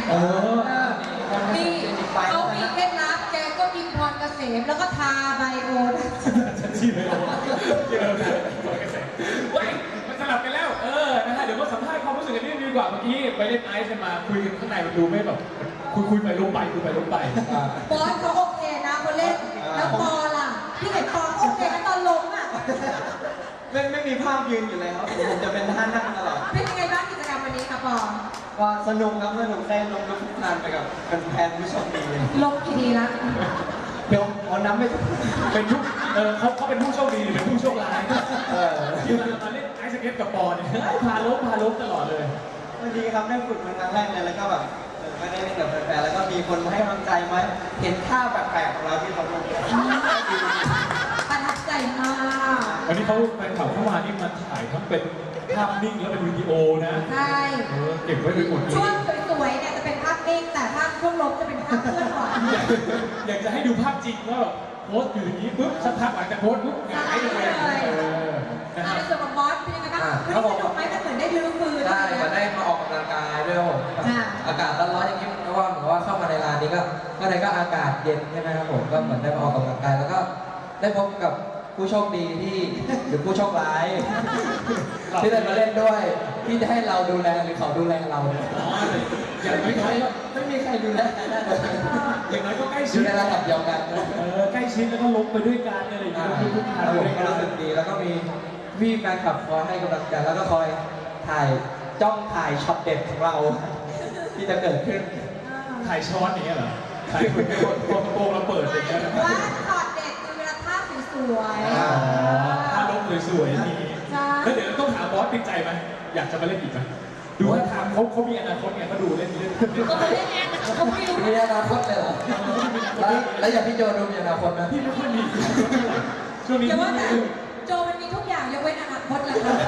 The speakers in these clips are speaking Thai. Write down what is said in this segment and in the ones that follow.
เออมีเขามีเคล็ดลับแกก็กินพรเกษมแล้วก็ทาไบโอฉันชี้ไปแล้วเยอะเลยพรเกษมเว้ยมันสลับกันแล้วนะฮะเดี๋ยวมาสัมภาษณ์ความรู้สึกกันนิดนึงดีกว่าเมื่อกี้ไปเล่นไอซ์กันมาคุยกันข้างในมันดูไม่แบบคุยไปลงไปคุยไปลงไปบอสเขาโอเคนะคนเล่นแล้วปอล่ะพี่เห็นปอโอเคนะตอนลงอ่ะไม่มีภาพยืนอยู่เลยครับผมจะเป็นท่านั่งตลอดเป็นยังไงบ้างกิจกรรมวันนี้คะปอก็สนุกครับสนุกได้ลงทุกงานไปกับแฟนผู้โชคดีลงกี่ทีละเดี๋ยวเอาน้ำไม่เป็นผู้เขาเป็นผู้โชคดีหรือเป็นผู้โชคร้ายที่มาเล่นไอซ์สเก็ตกับปอเนี่ยพาล้มตลอดเลยวันดีครับได้ฝึกเป็นครั้งแรกเลยแล้วก็แบบไม่ได้เล่นกับแฟนๆแล้วก็มีคนมาให้กำลังใจมาเห็นท่าแปลกๆของเราที่เขาลงประทับใจมากวันนี้เขาแฟนคลับเข้ามานี่มาถ่ายทั้งเป็นภาพนิ่งแล้วเป็นวิดีโอนะใช่เก็บไว้ไปหมดเลยช่วงสวยๆเนี่ยจะเป็นภาพนิ่งแต่ภาพช่วงลบจะเป็นภาพเคลื่อนไหวอยากจะให้ดูภาพจริงว่าแบบโพสต์อยู่อย่างนี้ปุ๊บสักพักหลังจากโพสต์ปุ๊บหงายเลยในส่วนของบอสเป็นยังไงบ้างวันนี้สนุกไหมมันเหมือนได้ลื้อฟื้นได้มาได้มาออกกำลังกายด้วยผมอากาศร้อนๆอย่างนี้เพราะว่าเหมือนว่าเข้ามาในร้านนี้ก็ในก็อากาศเย็นใช่ไหมครับผมก็เหมือนได้มาออกกำลังกายแล้วก็ได้พบกับผู้โชคดีที่หรือผู้โชคร้ายที่ได้มาเล่นด้วยที่จะให้เราดูแลหรือเขาดูแลเราอย่างน้อยไม่มีใครดูแลอย่างน้อยก็ใกล้ชิดดูในระดับเดียวกันใกล้ชิดแล้วก็ลงไปด้วยกันอะไรอย่างเงี้ยทุกท่านผมก็รู้สึกดีแล้วก็มีแฟนคลับคอยให้กำลังใจแล้วก็คอยจ้องถ่ายช็อตเด็ดของเราที่จะเกิดขึ้นถ่ายช้อนอย่างเงี้ยเหรอถ่ายคนโกงเราเปิดอย่างเงี้ยว่าช็อตเด็ดคือเวลาภาพสวยถ้าลงสวยๆนี่แล้วเดี๋ยวต้องถามบอสติดใจไหมอยากจะมาเล่นอีกไหมดูว่าทางเขามีอนาคตไงเขาดูเล่นก็มาเล่นเองเขาไม่รู้มีอนาคตเลยเหรอแล้วอย่างพี่โจดูมีอนาคตไหมพี่ไม่ค่อยมีช่วงนี้แต่ว่าโจมันมีทุกอย่างยกเว้นอนาคตแหละค่ะ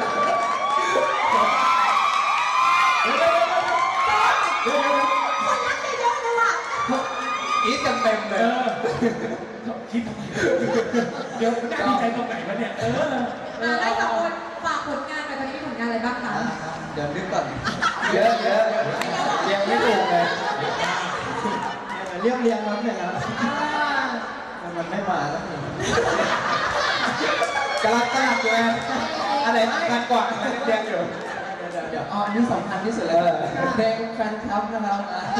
คนรักเยอะเลยว่ะคิดกันเต็มเลยคิดทำไมเดี๋ยวได้ดีใจตรงไหนวะเนี่ยได้สองคนฝากผลงานไปตอนนี้มีผลงานอะไรบ้างคะเดี๋ยวนึกก่อนเยอะยังไม่ถูกเลยเรียงครับเนี่ยนะมันไม่มาแล้วกำลังเลยอะไรกันกว่าเรียงอยู่เดี๋ยวนี่สำคัญที่สุดเลยเพลงแฟนคลับนะครับ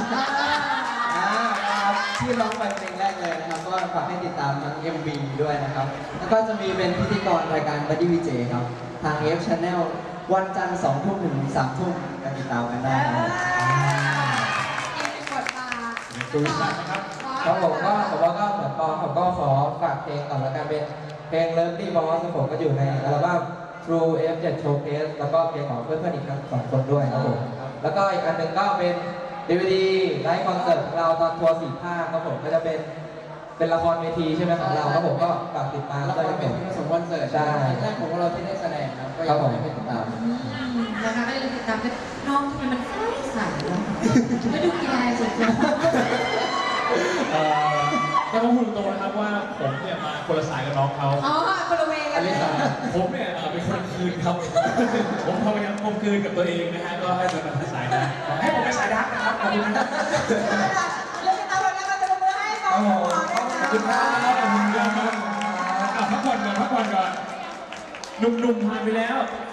ที่ร้องไปเพลงแรกเลยนะครับก็ฝากให้ติดตามทาง MV ด้วยนะครับแล้วก็จะมีเป็นพิธีกรรายการ Buddy VJ ครับทาง F Channel วันจันทร์2 ทุ่มถึง3 ทุ่มกันติดตามกันได้ครับดูสักนะครับเขาบอกว่าเหมือนปอเขาก็ขอฝากเพลงก่อนแล้วกันเป็นเพลง Lovely Boss ผมก็อยู่ในอัลบั้ม True F7 Showcase แล้วก็เพลงของเพื่อนๆอีกทั้ง2 คนด้วยครับผมแล้วก็อีกอันหนึ่งก็เป็น DVD ไลฟ์คอนเสิร์ตของเราตอนทัวร์4 ภาคครับผมก็จะเป็นละครเวทีใช่ไหมของเราครับผมก็ฝากติดตามแล้วก็เป็นผสมคอนเสิร์ตใช่แรกของเราที่ได้แสดงครับก็ยังไม่ติดตามนะคะก็เลยติดตามกันน้องทำไมมันใสไม่ดูกีฬาสุดก็ต้องพูดตรงนะครับว่าผมเนี่ยมาคนละสายกับน้องเขาคนละเวกันเลยผมเนี่ยเป็นคนคืนครับผมพยายามคมคืนกับตัวเองนะฮะก็ให้เป็นสายนะให้ผมเป็นสายดักนะครับขอบคุณนะเลยตามวันนี้มาจะลงมือให้ฟังขอบคุณครับพักผ่อนก่อนหนุ่มๆผ่านไปแล้ว